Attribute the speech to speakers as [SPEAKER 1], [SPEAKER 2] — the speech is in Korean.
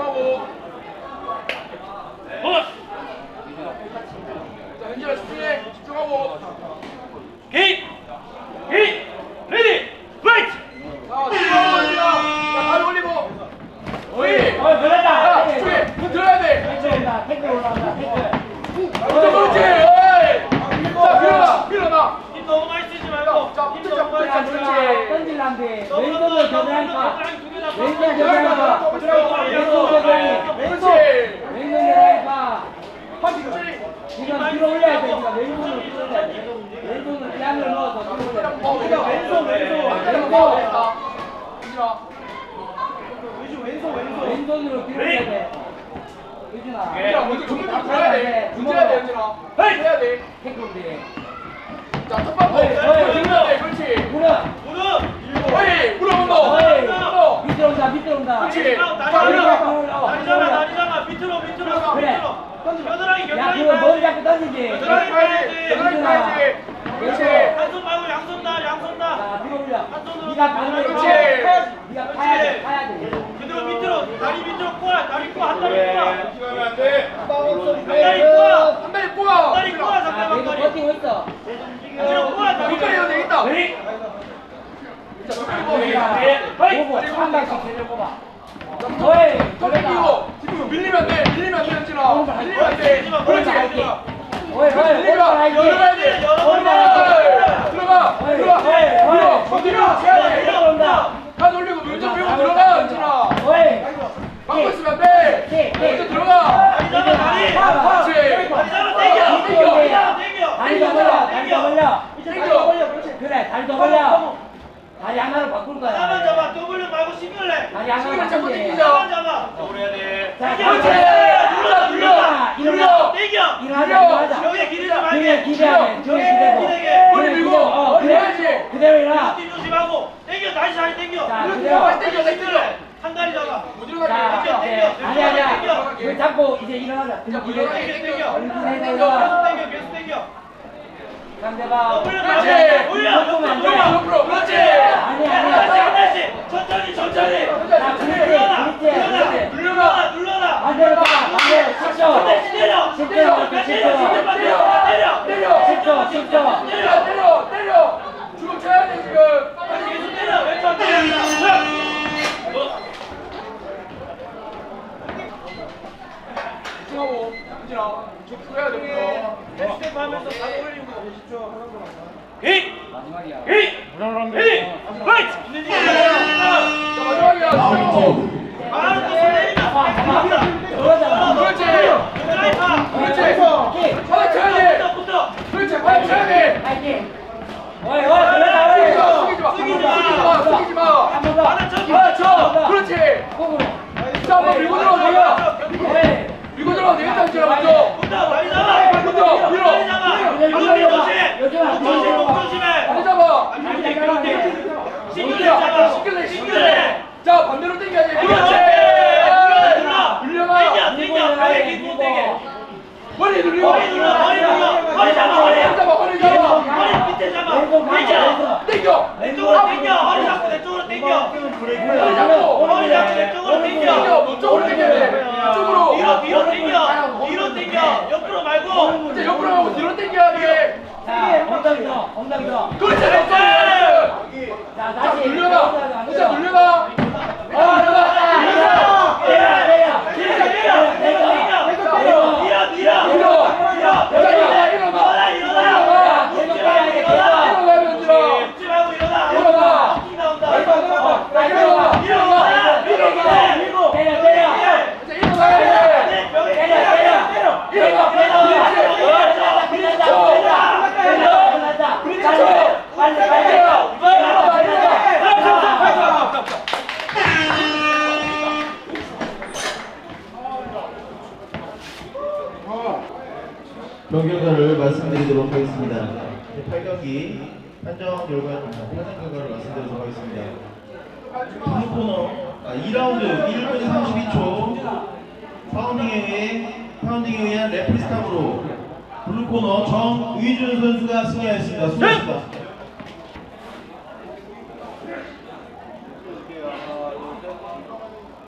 [SPEAKER 1] 집중하고. 자, 현진아 집중해. 집중하고.
[SPEAKER 2] 게임! 게임! 레디! 파이트!
[SPEAKER 1] 자, 집중하고. 자, 발 올리고. 어이.
[SPEAKER 2] 들어간다!
[SPEAKER 1] 야, 집중해. 그거 들어야 돼.
[SPEAKER 2] 태클 올라간다, 태클.
[SPEAKER 1] 그렇지. 어이. 자, 밀어놔. 밀어놔.
[SPEAKER 2] 힘 너무 많이 쓰지 말고.
[SPEAKER 1] 자,
[SPEAKER 2] 힘
[SPEAKER 1] 붙자,
[SPEAKER 2] 너무 많이
[SPEAKER 1] 붙자.
[SPEAKER 2] 쓰지
[SPEAKER 1] 그렇지.
[SPEAKER 2] 말고.
[SPEAKER 3] 던질란데
[SPEAKER 2] 너무
[SPEAKER 3] 왼손으로
[SPEAKER 2] 너무
[SPEAKER 3] 겨드랑이가
[SPEAKER 2] 너무
[SPEAKER 3] 왼손
[SPEAKER 2] 너무
[SPEAKER 3] 겨드랑이가
[SPEAKER 1] 그렇지.
[SPEAKER 3] 왼손 겨드랑이
[SPEAKER 1] 그렇지.
[SPEAKER 3] 왼손 겨드랑이가
[SPEAKER 1] 그렇지.
[SPEAKER 3] 지금 들어 올려야 돼. 지금 왼손으로 들어 올려야 돼. 왼손으로 양을 넣어서 들어 올려야 돼.
[SPEAKER 1] 왼손.
[SPEAKER 3] 왼손으로 들어 올려야 돼. 유진아.
[SPEAKER 1] 현진아, 먼저 주먹 다 들어야 돼. 문제야 돼, 현진아. 해야 돼.
[SPEAKER 3] 태클인데.
[SPEAKER 1] 자, 첫 번째. 들어야 돼. 그렇지.
[SPEAKER 3] 물어.
[SPEAKER 2] 무릎!
[SPEAKER 1] 어이, 물어.
[SPEAKER 3] 어이. 밑으로 온다. 밑으로 온다.
[SPEAKER 1] 그렇지.
[SPEAKER 2] 다리 잡아! 밑으로!
[SPEAKER 3] 그래.
[SPEAKER 2] 겨드랑이
[SPEAKER 3] 야, 그거 머리 잡고 던지지.
[SPEAKER 1] 겨드랑이 봐야지. 겨드랑이 봐야지. 그렇지.
[SPEAKER 2] 한손 말고 양손 다!
[SPEAKER 3] 자, 들어 올려.
[SPEAKER 2] 손으로.
[SPEAKER 3] 네가 가는
[SPEAKER 1] 그렇지.
[SPEAKER 3] 네가 파야 돼. 파야 돼.
[SPEAKER 2] 그대로 밑으로! 다리 밑으로 꼬아! 다리 꼬아! 한 다리 꼬아!
[SPEAKER 1] 안 돼.
[SPEAKER 2] 한 다리 꼬아!
[SPEAKER 1] 한 다리 꼬아.
[SPEAKER 2] 한 다리 꼬아!
[SPEAKER 3] 자,
[SPEAKER 2] 상대방
[SPEAKER 3] 내가
[SPEAKER 2] 다리!
[SPEAKER 3] 버티고 있어.
[SPEAKER 2] 그대로 꼬아! 다리
[SPEAKER 1] 뒷다리 해도 되겠다. 자,
[SPEAKER 3] 보고 한 방씩 제대로 뽑아. 어이,
[SPEAKER 1] 턱 끼고 지금 밀리면 안 돼. 밀리면 안 돼, 현진아. 밀리면 안 돼. 그렇지.
[SPEAKER 3] 어이,
[SPEAKER 1] 밀리면 열어야 돼. 들어가. 밀어. 밀어. 해야 돼. 다 돌리고 왼쪽 밀고 들어가, 현진아.
[SPEAKER 3] 어이,
[SPEAKER 1] 막고 있으면 안 돼. 먼저 들어가.
[SPEAKER 2] 다리 잡아! 다리!
[SPEAKER 1] 그렇지.
[SPEAKER 2] 다리 잡아! 땡겨!
[SPEAKER 3] 다리 더 벌려, 다리 더 벌려.
[SPEAKER 1] 땡겨.
[SPEAKER 3] 그래, 다리 더 벌려. 다리 하나로 바꿀 거야.
[SPEAKER 2] 하나만 잡아! W 말고 싱글래!
[SPEAKER 3] 다리 하나로
[SPEAKER 1] 시간을 자꾸
[SPEAKER 3] 바꾸지.
[SPEAKER 1] 땡기자.
[SPEAKER 2] 하나만 잡아!
[SPEAKER 3] 자,
[SPEAKER 1] 그렇지.
[SPEAKER 3] 일어나, 일어나.
[SPEAKER 2] 땡겨!
[SPEAKER 3] 일어나자, 일어나자.
[SPEAKER 2] 여기에 기대지 말게!
[SPEAKER 3] 그래, 기대야 돼. 저기 기대고.
[SPEAKER 1] 머리 밀고.
[SPEAKER 3] 그래.
[SPEAKER 1] 해야지.
[SPEAKER 3] 그대로 일어나.
[SPEAKER 2] 뒤 조심하고! 땡겨! 다시 다리 땡겨!
[SPEAKER 3] 자,
[SPEAKER 1] 그렇게
[SPEAKER 3] 그대로.
[SPEAKER 1] 빨리 땡겨.
[SPEAKER 2] 한 다리 잡아!
[SPEAKER 1] 못
[SPEAKER 3] 자,
[SPEAKER 1] 일어나게.
[SPEAKER 3] 네. 아니야. 그 잡고 이제 일어나자.
[SPEAKER 1] 자,
[SPEAKER 3] 기대.
[SPEAKER 2] 땡겨!
[SPEAKER 3] 일어나.
[SPEAKER 2] 계속 땡겨!
[SPEAKER 3] 상대방.
[SPEAKER 2] W
[SPEAKER 1] 그렇지.
[SPEAKER 2] 말고! 올려!
[SPEAKER 1] 옆으로. 그렇지.
[SPEAKER 2] 하나씩! 천천히!
[SPEAKER 3] 자, 그렇지.
[SPEAKER 2] 눌러라!
[SPEAKER 3] 반대로 가. 반대로. 10초.
[SPEAKER 2] 때려!
[SPEAKER 3] 10초.
[SPEAKER 2] 때려!
[SPEAKER 3] 10초.
[SPEAKER 1] 때려. 주먹 쳐야 돼, 지금.
[SPEAKER 2] 계속 때려! 왼쪽 때려!
[SPEAKER 1] 집중하고. 현진아. 쭉 해야 돼.
[SPEAKER 2] 스텝 하면서 다리 올리고
[SPEAKER 3] 마지막이야.
[SPEAKER 2] 파이트!
[SPEAKER 1] 자, 마지막이야.
[SPEAKER 2] 바로 또 손내리면
[SPEAKER 3] 그러잖아.
[SPEAKER 1] 그렇지.
[SPEAKER 2] 드라이브!
[SPEAKER 1] 그렇지. 팔 쳐야 돼.
[SPEAKER 2] 붙어!
[SPEAKER 1] 그렇지. 팔 쳐야 돼.
[SPEAKER 3] 파이팅. 어이, 그러자.
[SPEAKER 1] 숙이지 마.
[SPEAKER 3] 한 번 더.
[SPEAKER 2] 하나 쳐!
[SPEAKER 1] 하나 쳐. 그렇지.
[SPEAKER 3] 콩으로.
[SPEAKER 1] 자, 한번 밀고 들어가 되겠다.
[SPEAKER 3] 어이.
[SPEAKER 1] 밀고 들어가 되겠다, 현진아, 먼저.
[SPEAKER 2] 붙어! 다리 잡아!
[SPEAKER 1] 붙어. 밀어.
[SPEAKER 2] 다리 잡아! 목 조심해!
[SPEAKER 1] 다리 잡아.
[SPEAKER 2] 싱글레!
[SPEAKER 1] 자, 반대로 당겨야지. 그렇지. 밀려나. 머리 눌리고.
[SPEAKER 2] 허리 잡아! 허리 밑에 잡아!
[SPEAKER 1] 당겨.
[SPEAKER 2] 왼쪽으로 당겨! 허리 잡고 내 쪽으로 당겨!
[SPEAKER 1] 머리 잡고.
[SPEAKER 2] 허리 잡고 내 쪽으로 당겨!
[SPEAKER 1] 너 쪽으로 당겨야 돼. 이쪽으로.
[SPEAKER 2] 뒤로 당겨! 뒤로 당겨! 옆으로 말고!
[SPEAKER 1] 이제 옆으로 하고 뒤로 당겨야 돼.
[SPEAKER 3] 자, 엉덩이 더.
[SPEAKER 1] 그렇지.
[SPEAKER 3] 자,
[SPEAKER 1] 자,
[SPEAKER 3] 다시.
[SPEAKER 1] 눌려라. 진짜 눌려라.
[SPEAKER 4] 경기 결과를 말씀드리도록 하겠습니다. 8경기 판정 결과를 말씀드리도록 하겠습니다. 블루코너 2라운드 1분 32초 파운딩에 의한 레프리 스탑으로 블루코너 정의준 선수가 승리하였습니다. 수고하셨습니다.